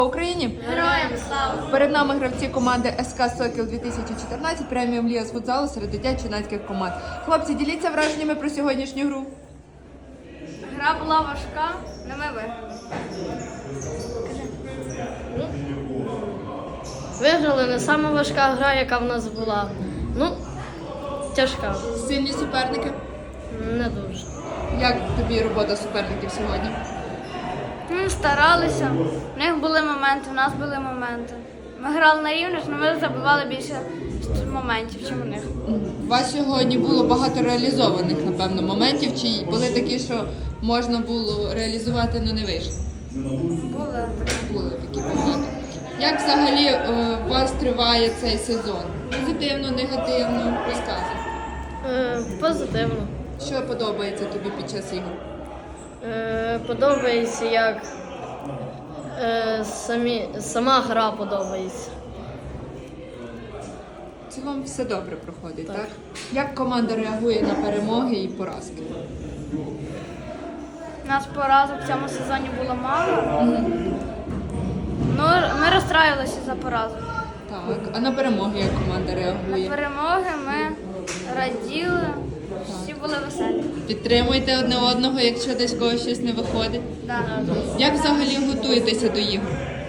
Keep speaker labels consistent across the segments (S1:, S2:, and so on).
S1: Україні!
S2: Героям слава!
S1: Перед нами гравці команди СК Сокіл 2014, преміум ліга з футзалу серед дитячо-юнацьких команд. Хлопці, діліться враженнями про сьогоднішню гру.
S2: Гра була важка, але ми виграли.
S3: Виграли не сама важка гра, яка в нас була. Тяжка.
S1: Сильні суперники.
S3: Не дуже.
S1: Як тобі робота суперників сьогодні?
S2: Ми старалися, в них були моменти, в нас були моменти. Ми грали на рівних, але ми забивали більше моментів, ніж у них.
S1: У вас сьогодні було багато реалізованих, напевно, моментів, чи були такі, що можна було реалізувати, але не вийшло? Були такі моменти. Як взагалі у вас триває цей сезон? Позитивно, негативно? Розказуй.
S3: Позитивно.
S1: Що подобається тобі під час ігор?
S3: Подобається, як сама гра подобається.
S1: В цілому все добре проходить, так?
S3: Так.
S1: Як команда реагує на перемоги і поразки?
S2: У нас поразок в цьому сезоні було мало. Ну, ми розстраювалися за поразок.
S1: Так. А на перемоги як команда
S2: На
S1: реагує?
S2: перемоги ми раділи, всі були веселі.
S1: Підтримуєте одне одного, якщо десь когось щось не виходить?
S2: Да.
S1: Як взагалі готуєтеся до ігор?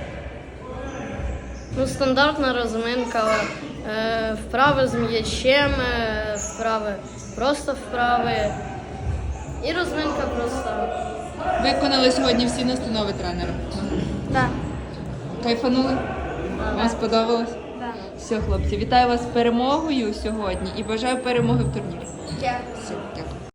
S3: Стандартна розминка, вправи з м'ячем, вправи, просто вправи. І розминка просто.
S1: Виконали сьогодні всі настанови тренера?
S2: Да.
S1: Кайфанули? Вам сподобалось?
S2: Да.
S1: Все, хлопці, вітаю вас з перемогою сьогодні і бажаю перемоги в турнірі.
S2: Дякую.
S1: Все, дякую.